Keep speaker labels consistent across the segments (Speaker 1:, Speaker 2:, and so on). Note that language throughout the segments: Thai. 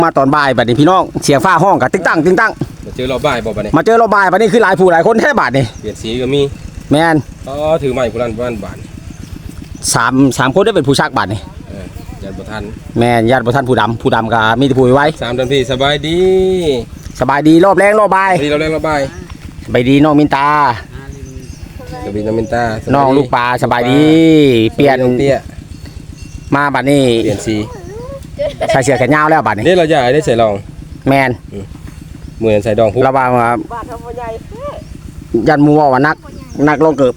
Speaker 1: มาตอนบ่ายบัดนี้พี่น้องเสียงฟ้าห้องกับติ๊งตั้งติ๊งตั้ง
Speaker 2: มาเจอเราบ่ายบ่บัดนี้
Speaker 1: มาเจอเราบ่ายบัดนี้คือหลายผู้หลายคนแท้บาดนี่
Speaker 2: เปลี่ยนสีก็มี
Speaker 1: แมน
Speaker 2: ถือไม้ผู้นั้นบ้านบาท
Speaker 1: สามคนได้เป็นผู้ชักบาดนี่
Speaker 2: ญาติบ่ทัน
Speaker 1: แมนญาติบ่ทันผู้ดำก็มีแต่ผู้ไว้
Speaker 2: 3 ท่านพี่สบายดี
Speaker 1: รอบแรงรอบบ่าย
Speaker 2: เราแรงเราบ่าย
Speaker 1: สบายดีน้องมินตา
Speaker 2: สบายดีน้องมินตา
Speaker 1: น้องลูกปลาสบายดีเปลี่ยนมาบัดนี้
Speaker 2: เปลี่ยนสี
Speaker 1: ใส่เสื้อแขนยาวแล้วบัดนี้
Speaker 2: นี่เราใหญ่ได้ใส่รอง
Speaker 1: แมน
Speaker 2: เหมือนใส่ดองพุ
Speaker 1: ระวังว่ายันมัวว่านักลงเกือบ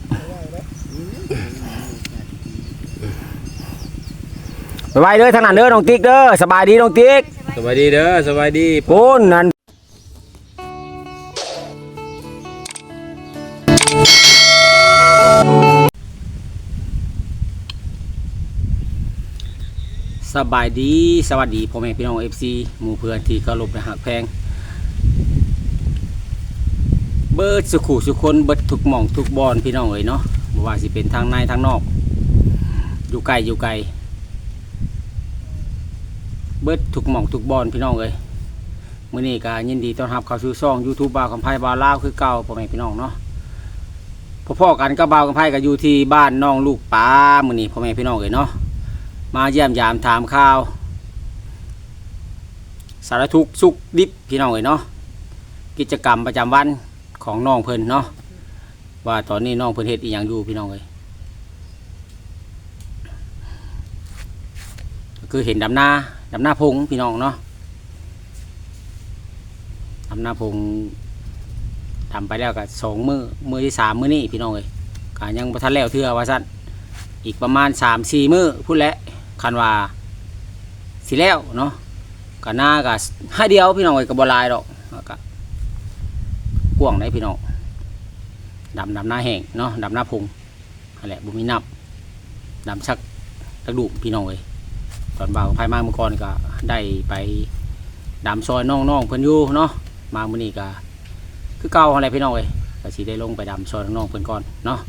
Speaker 1: ไว้เด้อทางนั้นเด้อน้องติ๊กเด้อสบายดีน้องติ๊ก
Speaker 2: สบายดีเด้อสบายดี
Speaker 1: ปูนนั่นสบายดีสวัสดีพ่อแม่พี่น้อง FC หมู่เพื่อนที่เคารพและหักแพงเบิดสุขุสุคนเบิดทุกหม่องทุกบอนพี่น้องเอ้ยเนาะบ่ว่าสิเป็นทางในทางนอกอยู่ไกลเบิดทุกหม่องทุกบอนพี่น้องเอ้ยมื้อนี้ก็ยินดีต้อนรับเข้าสู่ช่อง YouTube บ่าวกำไพบ่าวลาวคือเก่าพ่อแม่พี่น้องเนาะพ่อๆกันกับบ่าวกำไพก็อยู่ที่บ้านน้องลูกปลามื้อนี้พ่อแม่พี่น้องเอ้ยเนาะมาเยี่ยมยามถามข่าวสารทุกข์สุขดิบพี่น้องเอ้ยเนาะกิจกรรมประจำวันของน้องเพิ่นเนาะว่าตอนนี้น้องเพิ่นเฮ็ดอีหยังอยู่พี่น้องเอ้ยก็คือเห็นดำนาพงพี่น้องเนาะดำนาพงทำไปแล้วก็2 มื้อที่ 3มื้อนี้พี่น้องเอ้ยก็ยังบ่ทันแล้วเทื่อว่าซั่นอีกประมาณ 3-4 มื้อพุ่นแหละคันว่าสิแล้วเนาะก็หน้าก็ให้เดียวพี่น้องเอ้ยก็บ่หลายดอกก็กว้างได้พี่น้องดำหน้าแห้งเนาะดำหน้าพงนั่นแหละบ่มีน้ำดำชักกระดูกพี่น้องเอ้ยตอนบ่าวภายมาเมื่อก่อนก็ได้ไปดำซอยน้องๆเพิ่นอยู่เนาะมามื้อนี้ก็คือเก่าอะไรพี่น้องเอ้ยก็สิได้ลงไปดำซอยน้องๆเพิ่นก่อนเนาะ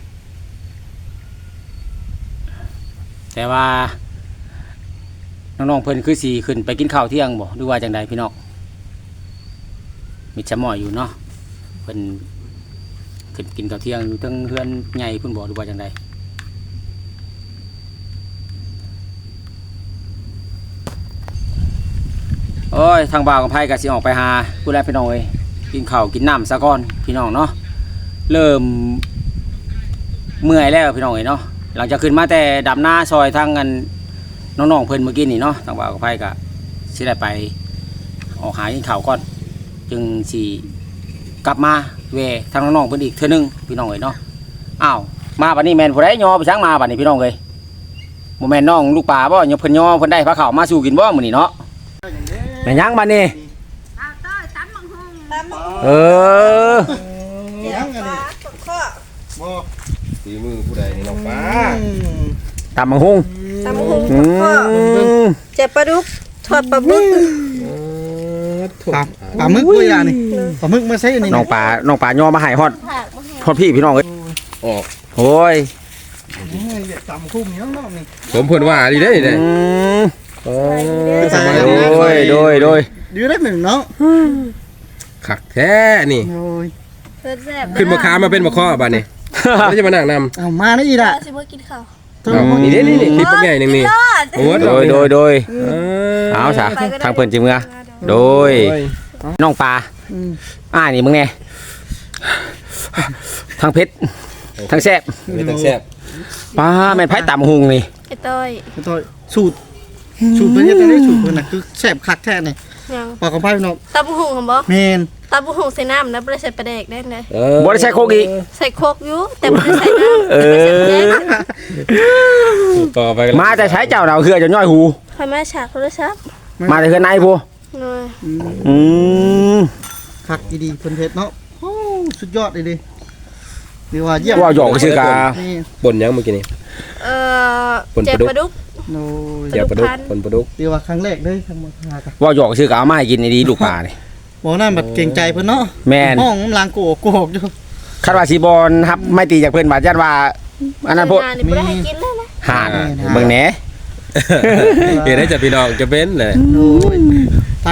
Speaker 1: แต่ว่าน้องๆเพิ่นคือสีขึ้นไปกินข้าวเที่ยงบ่หรือว่าจังใดพี่น้องมีชะม้อยอยู่เนาะเพิ่นขึ้นกินข้าวเที่ยงอยู่ทั้งเฮือนใหญ่เพิ่นบ่หรือว่าจังใดโอ้ยทางบ่าวกับไผก็สิออกไปหาผู้ใดพี่น้องเอ้ยกินข้าวกินน้ำซะก่อนพี่น้องเนาะเริ่มเมื่อยแล้วพี่น้องเอ้ยเนาะหลังจากขึ้นมาแต่ดำหน้าซอยทางกันน้องๆเพิ่นเมื่อกี้นี่เนาะทางบ่าวกับไผก็สิได้ไปออกหากินข้าวก่อนจึงสิกลับมาแวะทางน้องๆเพิ่นอีกเทื่อนึงพี่น้องเอ้ยเนาะอ้าวมาบัดนี้แม่นผู้ใดย่อไปช้างมาบัดนี้พี่น้องเอ้ยบ่แม่นน้องลูกปลาบ่ย่อเพิ่นย่อเพิ่นได้พาข้าวมาสู่กินบ่มื้อนี้เนาะแม่นยังบัดนี้เออ
Speaker 3: ยังอันนี้บ่
Speaker 2: สีมือผู้ใดนี่น้องป้า
Speaker 1: ตำบักหุ่ง
Speaker 3: เจ็บปลาดุกทอดปลาบึกปลาหมึกด้วยล่ะนี่ปลาหมึกมาใส่อันนี้
Speaker 1: น้องปลาย่อมาให้ฮอดพี่พี่น้องเอ้ย
Speaker 2: ออก
Speaker 1: โอ้ย
Speaker 3: ตำคุ้มยังรอบนี่
Speaker 2: ผมเพิ่นว่าดีเด้นี่
Speaker 1: โอ้ยโดย
Speaker 3: ดีได้หนึ่งเนาะ
Speaker 2: คักแท้นี่
Speaker 3: โอ้ย
Speaker 2: ขึ้นบ่ค้ามาเป็นบ่ข้อบัดนี้แล้วจะมานั่งนำ
Speaker 3: เอามาได้อีล่ะ
Speaker 4: สิมากินข้าว
Speaker 2: นี่พี่ปักใหญ่นึงนี่
Speaker 1: โอ้โดยเอาซะทางเพิ่นจิเมื่อโดยน้องปลานี่มึงแน่ทางเพชรทางแซ่บ
Speaker 2: มีทางแซ่บ
Speaker 1: ปลาแม่นไผตำหุงนี่
Speaker 4: ไอ้ต้อย
Speaker 3: สูตรเพิ่นเฮ็ดได้สูตรเพิ่นน่ะคือแซ่บคักแท้นี่ปลาของไผน้อง
Speaker 4: ตำหุงหั่นบ่
Speaker 3: แม่น
Speaker 4: ตำหุงใส่น้ำนะบ่ได้ใส่ปลาแดกได้ได
Speaker 1: บ่ได้ใส่โคกอีก
Speaker 4: ใส่โคกอยู่แต่บ่ได้ใส่น้ำ
Speaker 2: ต่อไป
Speaker 1: มาแต่ใช้เจ้าเราคือจะย่อยหู
Speaker 4: ใครมาฉากโทรศัพท์
Speaker 1: มาแต่เฮือนในผู้
Speaker 3: คักดีๆเพิ่นเฮ็ดเนาะโอ้สุดยอดเลยดินี่ว่าเยี่ยม
Speaker 1: ว่าหยอกซื่อกา
Speaker 2: ป่นยังเมื่อกี้นี่
Speaker 4: เจ็บปลาดุก
Speaker 3: โอ้ย
Speaker 2: เจ็บปลาดุกป่นปลาดุก
Speaker 3: นี่ว่าครั้งแรกเด้ทางมาหากัน
Speaker 1: ว่าหยอกซื่อกาเอามาให้กินดีลูกปลานี่
Speaker 3: บ่นั่นแบบเก่งใจเพิ่นเนาะ
Speaker 1: แม่น
Speaker 3: ห้องล้างโกกอยู่
Speaker 1: คาดว่าสิบอลครับไม่ตีจากเพิ่นบาดญาติว่าอันนั้นพวก
Speaker 4: บ่ได้ให้กินแล้วนะ
Speaker 1: ห่านเบิ่งแหน่
Speaker 2: เห็นได้จากพี่น้องจะเป็นเลย
Speaker 3: โอ้ย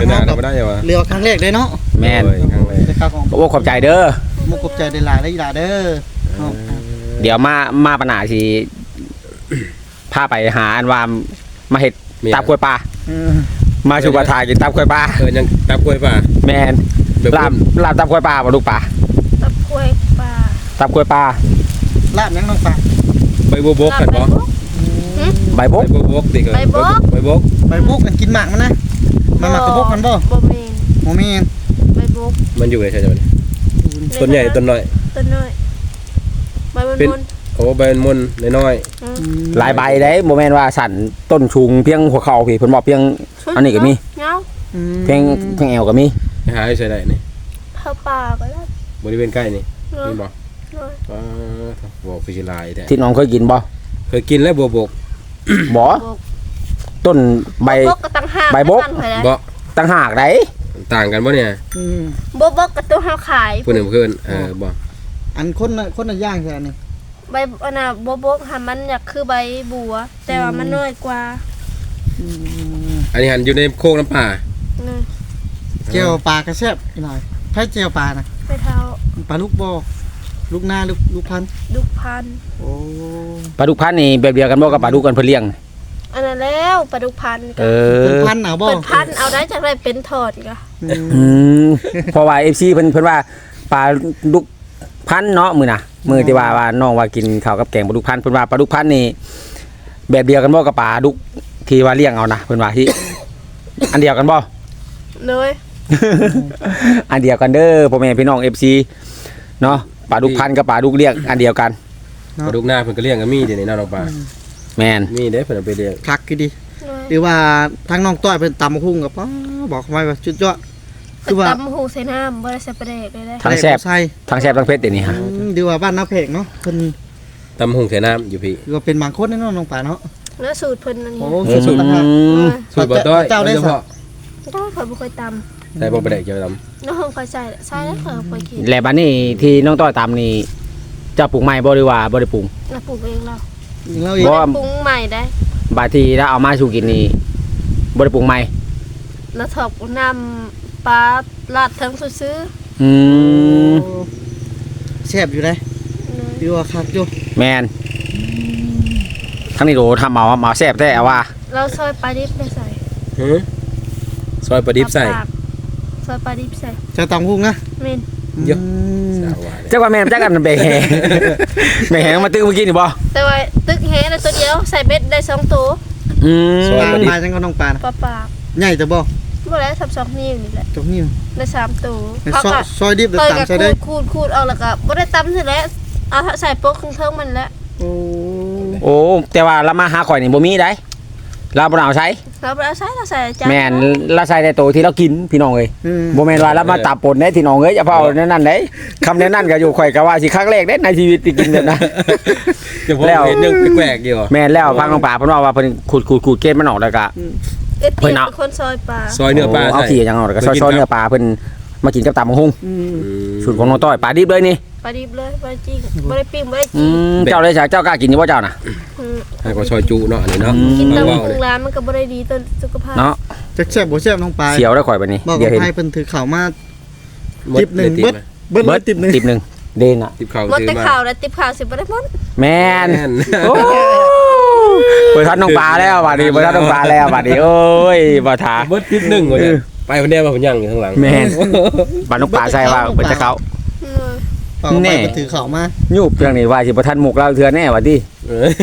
Speaker 2: เป็นหน้า
Speaker 3: เฮา
Speaker 2: บ่ได้เหรอวะ
Speaker 3: เรือครั้งแรกเลยเนาะ
Speaker 1: แม่น
Speaker 2: โอ้ยครั้งแรก
Speaker 3: ได้ครับของ
Speaker 1: โอ้ขอบใจเด้อ
Speaker 3: มุกขอบใจได้หลายได้หลายเด้อเนาะ
Speaker 1: เดี๋ยวมาปัญหาสิพาไปหาอันว่ามาเฮ็ดตับกล้วยปลา
Speaker 3: เออ
Speaker 1: มาชูกระทากินตับกล้วยปลา
Speaker 2: ยังตับกล้วยป่ะ
Speaker 1: แม่น
Speaker 2: แบบ
Speaker 1: ลาบตับกล้วยปลาบ่ลูกปลา
Speaker 4: ตับกล้วยปลา
Speaker 1: ตับกล้วยปลา
Speaker 3: ลาบยังน้องปลา
Speaker 2: ใบบัวบกกันบ่
Speaker 1: ใบบก
Speaker 2: ใบบัวบกดิใบบก
Speaker 3: ใบบุกกันกินหมากมันนะมันหมากกระบกมันบ่
Speaker 4: บ่แม่น
Speaker 3: โมเมน
Speaker 4: ใบบุก
Speaker 2: มันอยู่ไหนใช่ไหมต้นใหญ่ต้นน้อย
Speaker 4: ต้นน้อยใบมัน
Speaker 2: เป็น
Speaker 4: มน
Speaker 2: โอ้ใบมันน้อย
Speaker 1: หลายใบได้บ่แม่นว่าสั่นต้นชุงเพียงหัวเข่าพี่เพิ่นบอกเพียง อันนี้ก็มี
Speaker 4: เงา
Speaker 1: เพียงแอวก็มี
Speaker 2: หาให้ใส่ได้นี่
Speaker 4: เผาป่าก็ได้
Speaker 2: บริเวณใกล้นี่
Speaker 4: เนาะ
Speaker 2: นี่บ่
Speaker 4: เนาะ
Speaker 2: บอกคือสิลายแท้
Speaker 1: ที่น้องเคยกินบ่
Speaker 2: เคยกินแล้วบัวบก
Speaker 1: บ่ต้นใบ
Speaker 4: บกก็ตั้งห้า
Speaker 1: ใบบก
Speaker 2: บ่
Speaker 1: ต่างหากได้
Speaker 2: ต่างกันบ่เนี่ย
Speaker 4: บกก็ตัวเฮาขาย
Speaker 2: ผู้หนึ่งเพื่อนบ่
Speaker 3: อันคนน่ะย่างใช่นี่
Speaker 4: ใบอันน่ะบกหามันอยากคือใบบัว แต่ว่ามันน้อยกว่า
Speaker 2: อันนี้หันอยู่ในโคกน้ำป่า
Speaker 4: เนาะ
Speaker 3: เจียวปลากระแซบอีกหน่อยไผเจียวปลานะ
Speaker 4: ไปเท้า
Speaker 3: ปลาลูกบ่ลูกหน้าลูกพันธุ์
Speaker 4: ดุกพัน
Speaker 3: โอ้
Speaker 1: ปลาดุกพันธุ์นี่แบบเดียวกันบ่กับปลาดุกกันเพิ่นเลี้ยง
Speaker 4: อันนั้นแล้วปลาดุกพัน
Speaker 1: เอ
Speaker 3: เป็น
Speaker 1: อ
Speaker 3: พันธุ์เอาบ่
Speaker 4: เป็นพันเอาได้จากไรเป็นถอดก็
Speaker 1: อืมเพราะว่า FC เพิ่นว่าปลาดุกพันธุ์เนาะมื้อน่ะมื้อที่ว่าน้องว่ากินข้าวกับแกงปลาดุกพันธุ์เพิ่นว่าปลาดุกพันธุ์นี่แบบเดียวกันบ่กับปลาดุกที่ว่าเลี้ยงเอานะเพิ่นว่าที่ อันเดียวกันบ่
Speaker 4: เลย
Speaker 1: อันเดียวกันเด้อพ่อแม่พี่น้อง FC เนาะปลาดุกพันธุ์กับปลาดุกเลี้ยงอันเดียวกัน
Speaker 2: ปลาดุกหน้าเพิ่นก็เลี้ยงก็มีเดี๋ยวนี้น้องป่า
Speaker 1: แม่น
Speaker 2: มีเด้เพิ่นเอาไปเลี้ยง
Speaker 3: คักคือดี
Speaker 4: เลย
Speaker 3: หรือว่าทั้งน้องต้อยเป็นตำหุ้งกับป้าบอกไว้ว่าจุดยอดคือว่า
Speaker 4: ตำหูใส่น้ำบ่ได้ใส่ปลาแดกเลยได้
Speaker 1: ทั้งแซ่บ
Speaker 3: ใส่
Speaker 1: ทั้งแซ่บทั้งเผ็ดเดี๋ยวนี้ฮะ
Speaker 3: ดีว่าบ้านน้าเพกเนาะเพิ่น
Speaker 2: ตำหุงใส่น้ำอยู่พี่
Speaker 3: คือว่าเป็นบางคนแน่นอนน้องป่าเนาะ
Speaker 4: แล้วสูตรเพิ่นอันนี้
Speaker 3: โอ้สุดๆนะค
Speaker 1: อื
Speaker 3: รับ
Speaker 1: ม
Speaker 2: สูตรบ่ต้อย
Speaker 3: เจ้าได้
Speaker 2: โดยเฉ
Speaker 3: สั
Speaker 2: พาะ
Speaker 4: ก็เพิ่นบ่เคยต
Speaker 2: ได้บ่ไปได้เกี่ยวกับ
Speaker 4: ำน้องเคยใส่แล้วเพิ่นเคยกิน
Speaker 1: และบัดนี้ที่น้องต้อยตามนี่เจะปลูกใหม่บ่หรือว่าบ่ได้ปลูก
Speaker 4: เราปลูกเองเรา
Speaker 3: เราอีก
Speaker 1: บ่
Speaker 4: ปรุงใหม่ได้
Speaker 1: บาดที่ถ้าเอามาสู่กินนี่บ่ได้ปรุงใหม่
Speaker 4: แล้วถอกน้ำปลาลาดทั้งซื้อ
Speaker 1: อืม
Speaker 3: แซ่บอยู่เลยดีว่าคักอยู่
Speaker 1: แมนทั้งนี้โดทำเอาแซ่บแท้เอาว่า
Speaker 4: เราซอยปลาดิบไปใส่
Speaker 2: หือซอยปลาดิบใส่
Speaker 4: ปากซอยปลาดิบใส่
Speaker 3: เจ้าตำหุ้งนะ
Speaker 4: เมน
Speaker 2: เยอะ
Speaker 3: ม
Speaker 2: สาวว่าเนี่ย
Speaker 1: จักว่าแม่นจักกันแบกแหแบกแหมาตึ้งเมื่อกี้นี่บ่
Speaker 4: แต่ว่าตึกแฮนะตัวเดียวใส่เบ็ดได้2ตัว
Speaker 1: อืม
Speaker 3: ปลาปลาจังก็น้องปลานะ
Speaker 4: ปลาปาก
Speaker 3: ใหญ่แต่บ่
Speaker 4: บ่แล้ว2นิ้วนี่แหละ
Speaker 3: จกนิ้ว
Speaker 4: ได้3ตัว
Speaker 3: ซอยดิบเดี๋ยว
Speaker 4: เคย
Speaker 3: ตำ
Speaker 4: กับ
Speaker 3: ใส่ได้
Speaker 4: คูดเอาแล้วก็บ่ได้ตำสิแล้วเอาใส่โป๊กเทิงมันแล้ว
Speaker 3: โอ้
Speaker 1: โอ้แต่ว่าเรามาหาข่อยนี่บ่มีได้เราบ่ได้เอาใช้
Speaker 4: เราบ่ได้เอาใส่เราใส่จาน
Speaker 1: แม่นเราใส่แต่โตวที่เรากินพี่น้องเอ้ยบ่แม่นว่าเรามาตับปนได้พี่น้องเอ้ยอย่าเฝ้าแนวนั้นเด้คำแนวนั้นก็อยู่ข่อยก็ว่าสิครั้งแรกเด้ในชีวิตที่กินแบบนั้น
Speaker 2: เดี๋ยวผมเห็นเรื่องแปลกๆอยู่
Speaker 1: แม่นแล้วฟังน้องป่าเพิ่นว่าเพิ่นขูดเกล็ดมันออกแล้วก็
Speaker 4: เอ็ด
Speaker 1: เพิ่
Speaker 4: เปีย
Speaker 1: น
Speaker 4: ก
Speaker 1: เอา
Speaker 4: เป็นคนซอยปลา
Speaker 2: ซอยเนื้อปลา
Speaker 1: เอา
Speaker 2: ใส่
Speaker 1: ขี้อย่างเอาแล้วก็ซอยๆเนื้อปลาเพิ่นมากินกับตำบักหุ่ง
Speaker 3: อืม
Speaker 1: สูตรของน้องต้อยปลาดิบเลยนี่
Speaker 4: ปลาดิบเลยปลาจริงบ่ได้ปิ้งบ่ได้
Speaker 1: อื
Speaker 4: จี
Speaker 1: มเจ้าเลยจ้ะเจ้ากล้ากินอยู่บ่เจ้าน่ะ
Speaker 2: ให้ก็ซอยจุเนาะอันนี้เนาะ
Speaker 4: กิน
Speaker 2: เอา
Speaker 4: ตำ
Speaker 2: เว้า
Speaker 4: พุ
Speaker 2: เลย
Speaker 4: งร้านมันก็บ่ได้ดีต่อสุขภาพ
Speaker 1: เนาะ
Speaker 3: จักแซ่บบ่แซ่บน้องปลา
Speaker 1: เสียวได้ข่อยบัดนี้
Speaker 3: บอก
Speaker 1: เดี๋ยวเห็น
Speaker 3: ให้เพิ่นถือข่าวมา
Speaker 2: หมด
Speaker 3: จิบหนึ่ง
Speaker 2: เลย
Speaker 3: เบิดเลยติบหนึ่ง
Speaker 1: ติบหนึงเดนอ่ะ
Speaker 2: ติบข้าว
Speaker 4: หมด
Speaker 2: ซื้อ
Speaker 4: แต่
Speaker 2: มา
Speaker 4: ข่าวแล้วติบข่าวสิบ่ได้หมด
Speaker 1: แม่น
Speaker 2: แม่น
Speaker 1: โอ้เปิดทันน้องปลาแล้วบัดนี้เปิดทันน้องปลาแล้วบัดนี้โอ้ยบ่ทา
Speaker 2: เบิดทิปหนึ่งว่าเนี่ยไปคนเดียวมาผมยังอยู่ข้างหลัง
Speaker 1: แม่นบัดน้องปลาใส่ว่าเปิดจะเขา
Speaker 4: เออ
Speaker 3: เปล่าไป
Speaker 1: แน่
Speaker 3: เพิ่นถือข่าวมา
Speaker 1: ยูบเรื่องนี้ว่าสิบ่ทันหมุกเราเทื่อแน่ว่าติ
Speaker 2: เออ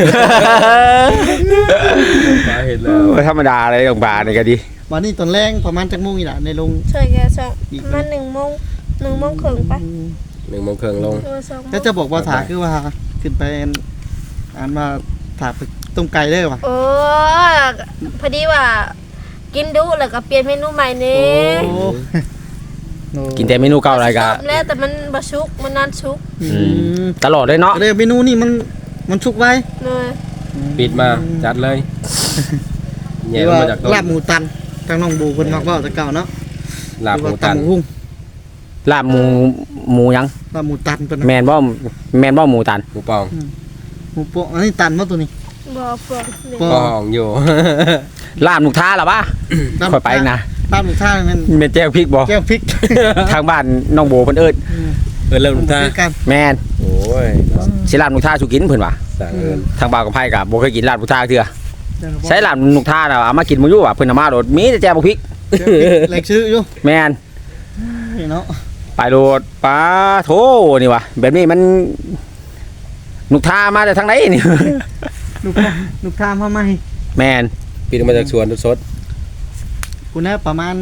Speaker 2: ปลาเห็นแล้ว
Speaker 1: บ่ธรรมดาเลยน้องปลานี่ก็ดี
Speaker 3: วันนี้ตอนแรงประมาณจักโมงอีหล่ะในโรง
Speaker 4: ช่วยแกช่องมัน1 โมง1 โมงครึ่งปะ
Speaker 2: 1 โมงครึ่งลง
Speaker 4: เออ2 โมง
Speaker 3: แล้วจะบอกว่าถาคือว่าขึ้นไปอ่านว่าถาไปต้มไก่ได้ว่ะ
Speaker 4: โอ้พอดีว่า กินดุแล้วก็เปลี่ยนเมนูใหม่นี่
Speaker 3: โอ้โอ้
Speaker 1: กินแต่เมนูเก่าอะไรก็
Speaker 4: แล้วแต่มันบ่ชุกมันนานชุก
Speaker 3: อืม
Speaker 1: ตลอดเลยเนาะ
Speaker 3: เลยเมนูนี่มันชุกไว้
Speaker 4: เนย
Speaker 2: ปิดมาจัดเลยแย่
Speaker 3: หรือ
Speaker 2: ลง
Speaker 3: ว่า
Speaker 2: มาจากต้น
Speaker 3: ลาบหมูตันทางน้องบูเพิ่นมักเว้าแต่เก่าเนาะ
Speaker 2: ลาบหมู
Speaker 3: หรือว่า
Speaker 2: ตัน
Speaker 3: ตำบักหุ่ง
Speaker 1: ลาบหมูหยัง
Speaker 3: ลาบหมูตันเพิ่นน่ะ
Speaker 1: แม่นบ่หมูตัน
Speaker 2: หมูปอง
Speaker 3: หมูโปะอันนี้ตันบ่ตัวนี้
Speaker 4: บ่ปลอก
Speaker 3: ป
Speaker 2: ปองอยู่
Speaker 1: ลาบลูกท้าล่ะวะ
Speaker 3: ลาบ
Speaker 1: ค่อยไปนะ
Speaker 3: ตามลูกท่านั่น
Speaker 1: แม่นแจ้งพริกบ่
Speaker 3: แก้วพริก
Speaker 1: ทางบ้านน้องโบเพิ่นเอิ้น
Speaker 2: เริ่มลูกตา
Speaker 3: กัน
Speaker 1: แม่น
Speaker 2: โอ้ย
Speaker 1: สิลาบนุกท่าสุกินเพิ่นว่า
Speaker 2: สั่งเอิน
Speaker 1: ทางบ่าวกับไผก็บ่เคยกินลาบนุกท่าเทื่อใช้ลาบนุกท่าน่ะเอามากินบ่อยู่ว่าเพิ่นเอามาโดดมีแต่แจ่วพริก
Speaker 3: แหลกชื่ออยู่
Speaker 1: แม่น
Speaker 3: นี่เนาะ
Speaker 1: ไปโดดปลาโถนี่ว่ะแบบนี้มันนุกท่ามาแต่ทางไหนนี่
Speaker 3: ลูกท่ามาใหม่
Speaker 1: แม่น
Speaker 2: ปีนมาจากสวนสด
Speaker 3: กูน่าประมาณ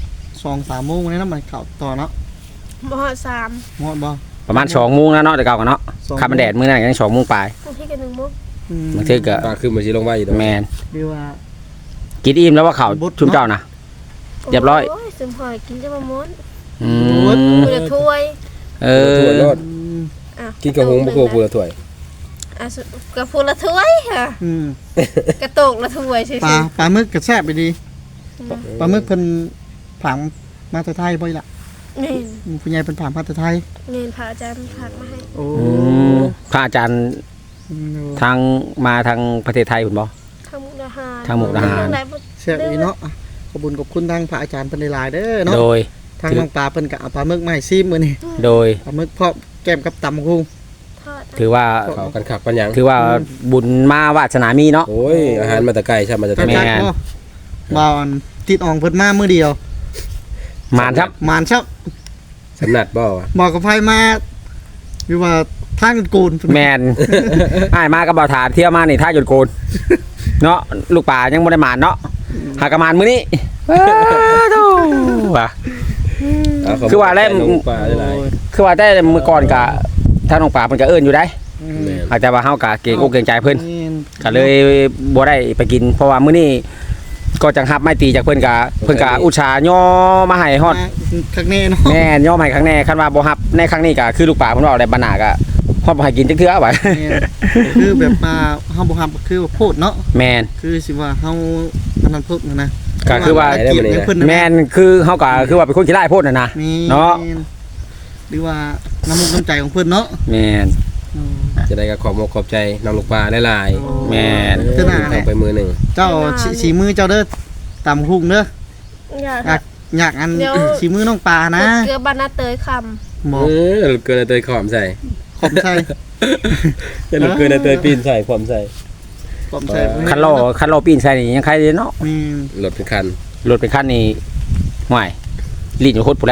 Speaker 3: 2-3 โมงนี่นะมันเข้าต่อเนาะ
Speaker 4: บ่ฮอด3
Speaker 3: หมดบ่
Speaker 1: ประมาณ2โมงแล้วเนาะแต่เก่ากันเนาะ
Speaker 3: 2
Speaker 1: ค่ำมันแดดมื้อนั้นยัง2โมงปลาย
Speaker 4: บางทีก็1 โมง
Speaker 1: บางทีก็
Speaker 2: ปลาขึ้นมาสิลงไว้อยู่ตรง
Speaker 1: แม่น
Speaker 3: เรียกว่า
Speaker 1: กินอิ่มแล้วว่าข้าวชุมเจ้านะ เรียบร้อย
Speaker 4: โอ้ยสมหอยกินจะมาม้วน
Speaker 1: อืม
Speaker 4: กูจะถ้วย
Speaker 1: เอ
Speaker 2: ถั่วร
Speaker 1: อ
Speaker 2: อด
Speaker 4: อ่ะ
Speaker 2: กินกระหงบ่ครัวปูละถ้วย
Speaker 4: อ่ะกระพูละถ้วยค่ะ
Speaker 3: อืม
Speaker 4: กระโตกละถ้วยซื่อ
Speaker 3: ปลาหมึกก็แซ่บไปดีปลาหมึกเพิ่นผังมาแต่ไทยบ่อยล่ะ
Speaker 4: ๆนี่
Speaker 3: ผู้ใหญ่เพิ่นผังมาแต่ไทย
Speaker 4: นี่พระอาจารย์ผักมาให้
Speaker 3: โอ้
Speaker 1: อืมพระอาจารย์ทางมาทางประเทศไทยคุณบอ
Speaker 4: ทางมุกดาหาร
Speaker 1: ทางมุกดาหาร
Speaker 4: เรื่องใดบ่
Speaker 3: แซ่บอีเนาะขอบคุญขอบคุณทางพระอาจารย์เพิ่นหลายๆเด้อเนาะ
Speaker 1: โดย
Speaker 3: ทางน้องปลาเพิ่นก็เอาปลาหมึกมาให้ซิมมื้อนี้
Speaker 1: โดย
Speaker 3: ปลาหมึกพร้อมแก้มกับตำบักหุ่ง
Speaker 4: ทอด
Speaker 1: ถือว่า
Speaker 2: เขากันขักปัญญัง
Speaker 1: ถือว่าบุญมาวาสนามีเนาะ
Speaker 2: โอ้ยอาหารมาแต่ไกลใช่มาจาก
Speaker 3: จั
Speaker 2: ทะ
Speaker 3: ด
Speaker 2: เล
Speaker 1: แม่
Speaker 3: จัดบ่บ่าวอันติดอ่องเพิ่นมามื้อเดียว
Speaker 1: มานครับ
Speaker 3: มานชับ
Speaker 2: สำนัดบ่วะ
Speaker 3: บอกกับไผมาอยู่ว่าทางกูน
Speaker 1: แมน อ้ายมากับบ่าวถาเที่ยวมานี่ท่าหยุดโกนเนาะลูกป่ายังบ่ได้มานเนาะหากระมานมื้อนี้โธ่ว่ะ คือว่าแล้ว
Speaker 2: น้องปลาหลาย
Speaker 1: คือว่าแต่มื้อก่อนก็ทางน้องป่าเพิ่นก็เอิ้นอยู่ได้
Speaker 2: ๆแม่น
Speaker 1: อาจจะว่าเฮาก็เกรงอกเกรงใจเพิ่น
Speaker 3: นี่
Speaker 1: ก็เลยบ่ได้ไปกิน เพราะว่ามื้อนี้ก็จังหับไม้ตีจากเพิ่นก็อุตส่าห์ย่อมาให้ฮอด
Speaker 3: ข้างในเนาะ
Speaker 1: แม่นย่อมาให้ครั้งแน่คันว่าบ่ฮับในครั้งนี้ก็คือลูกป่าเพิ่นว่าได้บรรณาก็ฮอดบ่ให้กินจักเทื่อว่า
Speaker 3: เนี่ยคือแบบมาเฮาบ่ฮับคือว่าโพดเนาะ
Speaker 1: แม่น
Speaker 3: คือสิว่าเฮาอันนั้นโพดนะ
Speaker 1: ก็คือว่า
Speaker 3: เกียรติให้เพิ่นนะ
Speaker 1: แม่นคือเฮาก็คือว่าเป็นคนขี้ร้ายโพดน่ะนะ
Speaker 3: นี่
Speaker 1: เนาะ
Speaker 3: หรือว่าน้ำมุกน้ำใจของเพิ่นเนาะ
Speaker 1: แม่น
Speaker 3: อืม
Speaker 2: จะได้ก็ขอบมกขอบใจน้องลูกปลาหลาย
Speaker 1: แม่น
Speaker 2: ๆ
Speaker 3: เท่านั้นแห
Speaker 2: ต้อ
Speaker 3: ละ
Speaker 2: งไปมือหนึ่ง
Speaker 3: เจ้าสีมือเจ้าเด้อตำหุ่งเด้อ
Speaker 4: อย่า
Speaker 3: อยากอัน
Speaker 4: เดี๋ยว
Speaker 3: สีมือน้องปลานะ
Speaker 4: เกลือบานาเตยค
Speaker 3: หมอ
Speaker 2: เออลูกเกินเตยขอมใส่
Speaker 3: ขอบใจ
Speaker 2: จะลูกเกินเตยปีนใส่ขอมใส่
Speaker 3: ขอบใจ
Speaker 1: คันโลปีนใส่นี่ยังใครเลยเนาะ
Speaker 3: มี
Speaker 2: รถเป็นคัน
Speaker 1: รถเป็นคันนี่ห่วยลิ้นอยู่โคตรพุ่นแหละ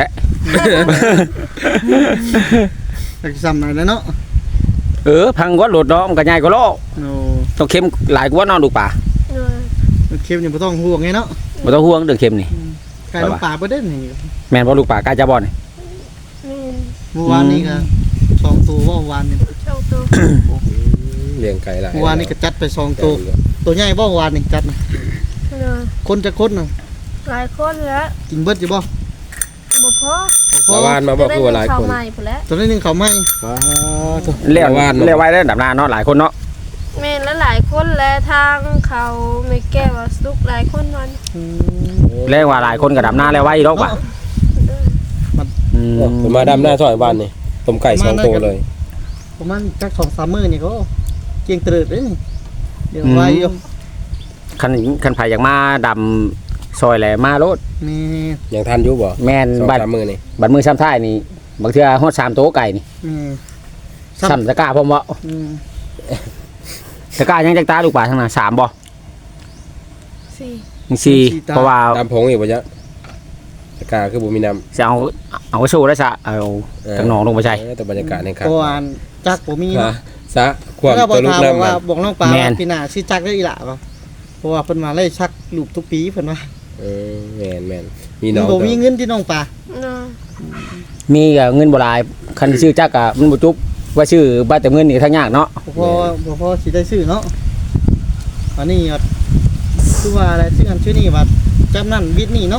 Speaker 3: จักซ้ำหน่อยแล้วเนาะ
Speaker 1: พังกว่ารถเนาะมันก็ใหญ่กว่าโล
Speaker 3: โอ้
Speaker 1: ต้องเข้มหลายกว่าเนาะลูกป่า
Speaker 4: ำเออ
Speaker 3: เค็มยังบ่ต้องห่วงไงเนาะ
Speaker 1: บ่ต้องห่วงเรื่องเข้มนี่
Speaker 3: ไก่น้องปลาบ่ได้นี่
Speaker 1: แม่นบ่ลูกป่ากล้าจะบ่นี่
Speaker 4: นี่
Speaker 3: เมื่อวานนี้ก็2ตัวว่าเมื่อวานนี่
Speaker 4: เจ้าตัว
Speaker 2: เลี้ยงไก่หลาย
Speaker 3: เมื่อวานนี้ก็จัดไป2ตัวตัวใหญ่บ่เมื่อวานนี่จัดนะ
Speaker 4: เออ
Speaker 3: คนจะคนน่ะ
Speaker 4: หลายคนแล้ว
Speaker 3: กินเบิดอยู่บ่
Speaker 4: บ่พอ
Speaker 3: พอ
Speaker 2: เมื่อวานมาบอกคือว่าหลาย
Speaker 4: จะได้
Speaker 2: คน
Speaker 4: เงิใหม่พุ่นแล้ว
Speaker 3: ตัวนี้หนึงเขาไม่
Speaker 1: เรียก
Speaker 2: เมื่อวาน
Speaker 1: เรียกไว้ได้ดับหน้าเนาะหลายคนเนาะ
Speaker 4: แม่นและหลายคนและทางเขาไม่แก้วาสุกหลายคนมัน
Speaker 1: เรียกว่าหลายคนก็ดับหน้าแล้วไว้ดอกว่ะอืม
Speaker 2: ผมมาดำหน้าซอยบ้านนี่ต้มไก่สองตัวเลย
Speaker 3: ประมาณจัก2-3มื้อนี่ก็เกียงเตริดเด้นี่เดี๋ยวไว้อยู่
Speaker 1: คันไผอยากมาดำซอยแหละมาโลด
Speaker 3: นี่
Speaker 2: ยังทันอยู่บ่
Speaker 1: แม่น
Speaker 2: สอง
Speaker 1: บัด
Speaker 2: สามมือนี่
Speaker 1: บัดมือซ้ำท้ายนี่บางเทื่อฮอด3โต๊ะไก่นี่
Speaker 3: นี่
Speaker 1: ซ้ำตะกร้าพร้อมบ่
Speaker 3: อืม
Speaker 1: ตะกร้ายังจักตาลูกป่าทางน่ะ3บ่
Speaker 4: สี่
Speaker 1: 4เพราะว่า
Speaker 2: ดำผงอีกบ่จ๊ะตะกร้าคือบ่มีน้
Speaker 1: จะเอาไปสู้แล้วซะเอา
Speaker 2: ำ
Speaker 1: ทางหนองลงไปใช้
Speaker 2: แต่บรรยากาศในครับ
Speaker 3: เพราะว่าจักบ่มี
Speaker 2: ฮะ
Speaker 3: เนาะ
Speaker 2: ซะความ
Speaker 3: แล้วบอ
Speaker 2: ตัว
Speaker 3: ก
Speaker 2: ลูก
Speaker 3: ถาม
Speaker 2: น้ำ
Speaker 3: ว่า
Speaker 2: มัน
Speaker 3: บอกน้องปลา
Speaker 1: แม่น
Speaker 3: ว่าปีหน้าสิจักได้อีหล่ะบ่เพราะว่าเพิ่นมาไล่ชักลูกทุกปีเพิ่นว่า
Speaker 2: แม่นมี
Speaker 3: มั
Speaker 2: น้
Speaker 3: น
Speaker 2: อง
Speaker 3: บ่มีเงินที่น้องปลา
Speaker 4: เนาะ
Speaker 1: มีก็เงินบ่หลายคันที่ชื่อจักก็มันบ่จุบว่าชื่อบ้านแต่เงินนี่ทางยากเนาะ
Speaker 3: บ่พอสิได้ซื้อเนาะอันนี้ก็คือว่าอะไรซื้ออันชื่อนี่ว่าจำนั่นวิทย์นี่เนาะ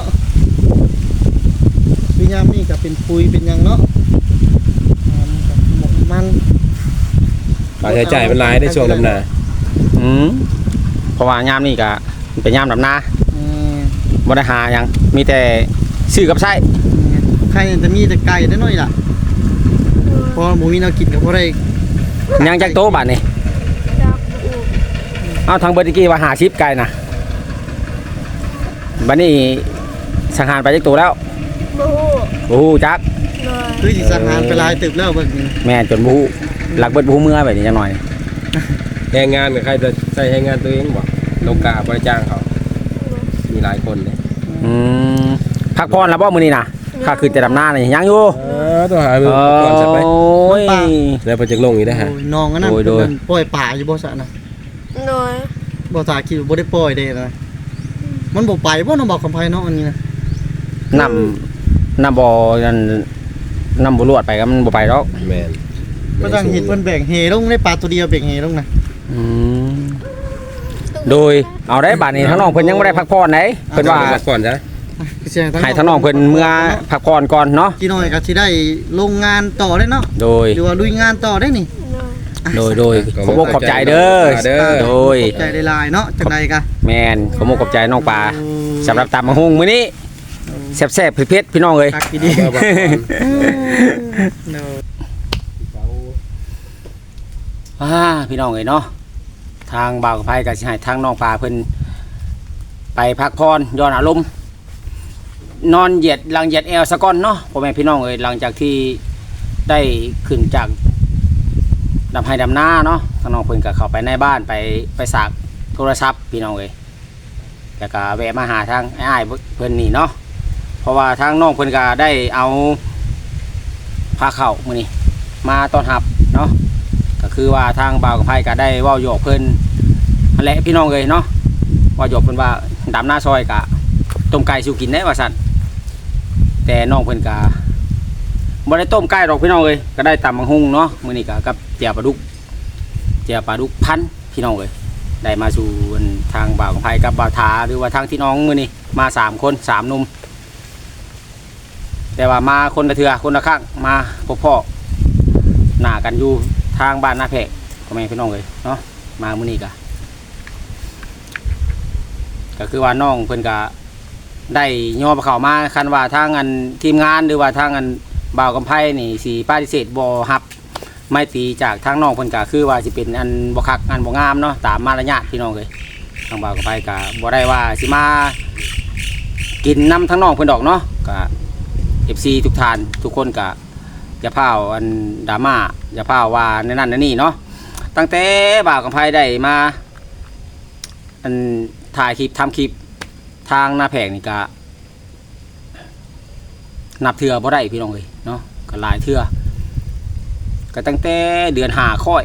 Speaker 3: วิญญาณนี่ก็เป็นปุ๋ยเป็นหยังเนาะมัน
Speaker 2: ค่าใช้จ่ายมันหลายในช่วงดำนา
Speaker 1: เพราะว่ายามนี่ก็เป็นยามดำนา
Speaker 3: อืม
Speaker 1: บ่ได้หาหยังมีแต่ซื้อกับใช้
Speaker 3: ใครจะมีแต่ไก่ได้น้อยล่ะเพราะหมูมีแนวกินก็บ่ได้
Speaker 1: ยังจักโตะบาดนี่
Speaker 4: จักอู
Speaker 1: เอาทางเบิดตะกี้ว่า50ไก่นะบัดนี้สังหารไปจักตัวแล้ว
Speaker 4: บ่ฮู้
Speaker 1: บ่ฮู้จัก
Speaker 4: เลย
Speaker 3: คือสิสังหารไปหลายตึกแล้วเบิ่งนี่
Speaker 1: แม่นจนบ่ฮู้หลักเบิดบ่ฮู้เมื่อแบบนี้จังหน่อย
Speaker 2: แรงงานกับใครจะใช้แรงงานตัวเองบ่โลกาบริจ้างเขามีหลายคนเลย
Speaker 1: อืมพักผ่อนแล้วบ่มื้อนี้น่ะข้าคือจะดำนานี่ยังอยู่
Speaker 2: ต้องหาเงินก่อนสักไป
Speaker 1: โอ้ย
Speaker 2: แล้วไปจักลงอีกได้ฮะ
Speaker 3: โอ้ยน้องอันนั้น
Speaker 1: โดย
Speaker 3: เพิ่นปล่อยป่าอยู่บ่ซะนะ
Speaker 4: เลย
Speaker 3: บ่ตาคิดว่าบ่ได้ปล่อยเด้นะมันบ่ไปบ่น้องบอกคำไผเนาะอันนี้นะ
Speaker 1: น้ำบ่นั่นน้ำบ่รวดไปก็มันบ่ไปดอก
Speaker 2: แม่น
Speaker 3: ก็ต้องเห็นเพิ่นแบ่งเฮลงในปลาตัวเดียวแบ่งเฮลงนะ
Speaker 1: อืมโดยเอาได้บัดนี้ทั้งน้องเพิ่นยังบ่ได้พักผ่อนไหนเพิ่นว่า
Speaker 2: พักก่อนจ้ะ
Speaker 3: คือสิ
Speaker 1: ให้ทั้งน้องเพิ่นเมื่อพักผ่อนก่อนเนาะ
Speaker 3: กี่น้อยก็สิได้ลงงานต่อได้เนาะ
Speaker 1: โดย
Speaker 3: หรือว่าลุยงานต่อได้นี่
Speaker 4: เลย
Speaker 1: โดยขอบอกขอบใจเด้อโดย
Speaker 3: ใจได้หลายเนาะจังไดกะ
Speaker 1: แมนขอบอกขอบใจน้องปลาสำหรับตำมะฮุงมื้อนี้แซ่บๆเผ็ดๆพี่น้องเอ้ย
Speaker 3: คักดี
Speaker 2: เอาบ่ก่อน
Speaker 3: เนาะ
Speaker 1: พี่น้องเอ้ยเนาะทางบ่าวกับไผก็สิให้ทางน้องปลาเพิ่นไปพักผ่อนย้อนอารมณ์นอนเหยียดหลังเหยียดแอวซะก่อนเนาะพ่อแม่พี่น้องเอ้ยหลังจากที่ได้ขึ้นจากดำไห้ดำหน้าเนาะทางน้องเพิ่นก็เข้าไปในบ้านไปสากโทรศัพท์พี่น้องเอ้ยแล้วก็แวะมาหาทางอ้ายเพิ่นนี่เนาะเพราะว่าทางน้องเพิ่นก็ได้เอาพาเข้ามื้อนี้มาต้อนรับเนาะก็คือว่าทางบ่าวกับไผก็ได้เว้าหยอกเพิ่นนั่นแหละพี่น้องเอ้ยเนาะเว้าหยอกเพิ่นว่าดำหน้าซอยก็ต้มไก่สิกินได้ว่าซั่นแต่น้องเพิ่นก็บ่ได้ต้มไก่ดอกพี่น้องเอ้ยก็ได้ตำบักหุ่งเนาะมื้อนี้ก็กับแจ่วปลาดุกพันพี่น้องเอ้ยได้มาสู่ทางบ่าวกับไผกับบ่าวถาหรือว่าทางที่น้องมื้อนี้มา3คน3หนุ่มแต่ว่ามาคนละเทื่อคนละครั้งมาพบพ่อหน้ากันอยู่ทางบ้านนาแพกพ่อแม่พี่น้องเอ้ยเนาะมามื้อนี้ก็คือว่าน้องเพิ่นก็ได้ย่อเข้ามาคันว่าทางอันทีมงานหรือว่าทางอันบ่าวกำไพนี่สิปฏิเสธบ่รับไม่ตีจากทางน้องเพิ่นก็คือว่าสิเป็นอันบ่คักอันบ่งามเนาะตามมารยาทพี่น้องเอ้ยทางบ่าวกำไพก็บ่ได้ว่าสิมากินน้ำทางน้องเพิ่นดอกเนาะก็ FC ทุกท่านทุกคนก็อย่าพาวอันดราม่าอย่าพาวว่าในนั้นในนี่เนาะตั้งแต่บ่าวกำไพได้มาอันถ่ายคลิปทำคลิปทางหน้าแผงนี่ก็นับเทื่อบ่ได้พี่น้องเอ้ยเนาะก็หลายเทื่อก็ตั้งแต่เดือน5ค่อย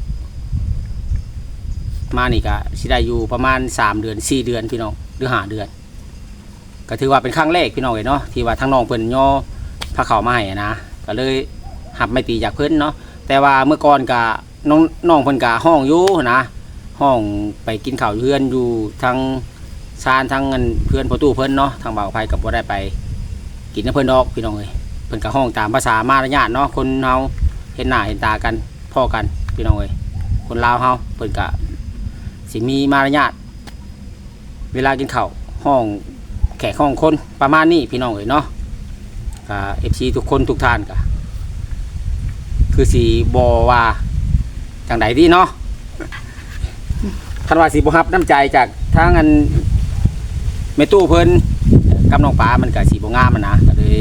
Speaker 1: มานี่ก็สิได้อยู่ประมาณ3เดือน4เดือนพี่น้องหรือ5เดือนก็ถือว่าเป็นครั้งแรกพี่น้องเอ้ยเนาะที่ว่าทางน้องเพิ่นย่อพาเข้ามาให้นะก็เลยหับไม่ตีจากเพิ่นเนาะแต่ว่าเมื่อก่อนก็น้องเพิ่นก็ห้องอยู่นะห้องไปกินข้าวเพื่อนอยู่ทางซานทางเงินเพื่อนประตูเพิ่นเนาะทางบ่าวไผกับบ่ได้ไปกินน้ำเพิ่นดอกพี่น้องเอ้ยเพิ่นก็ห้องตามภาษามารยาทเนาะคนเฮาเห็นหน้าเห็นตากันพ่อกันพี่น้องเอ้ยคนลาวเฮาเพิ่นก็สิมีมารยาทเวลากินข้าวห้องแขกห้องคนประมาณนี้พี่น้องเอ้ยเนาะก็ FC ทุกคนทุกท่านก็คือสิบ่ว่าจังใดดีเนาะคันว่าสิบ่รับน้ำใจจากทางอันแม่ตู้เพิ่นกับน้องปลามันก็สิบ่งามมันนะก็เลย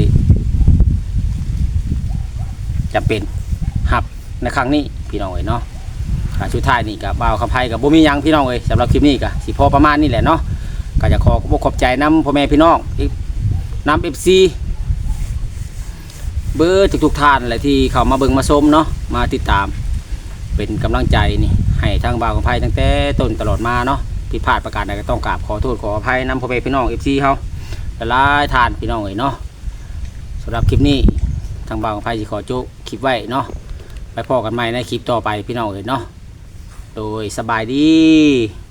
Speaker 1: จำเป็นรับในครั้งนี้พี่น้องเอ้ยเนาะก็สุดท้ายนี่ก็บ่าวคำไผก็บ่มีหยังพี่น้องเอ้ยสำหรับคลิปนี้ก็สิพอประมาณนี้แหละเนาะก็จะขอขอบใจนำพ่อแม่พี่น้องนำ FC เบอร์ทุกท่านแหละที่เข้ามาเบิ่งมาชมเนาะมาติดตามเป็นกำลังใจนี่ให้ทางบ่าวของไพ่ตั้งแต่ต้นตลอดมาเนาะผิดพลาดประการใดก็ต้องกราบขอโทษขออภัยนำพ่อแม่พี่น้อง FC เฮาหลายทานพี่น้องเอ้ยเนาะสำหรับคลิปนี้ทางบ่าวของไพ่สิขอโจ๊กคลิปไว้เนาะไปพอกันใหม่ในคลิปต่อไปพี่น้องเอ้ยเนาะโดยสบายดี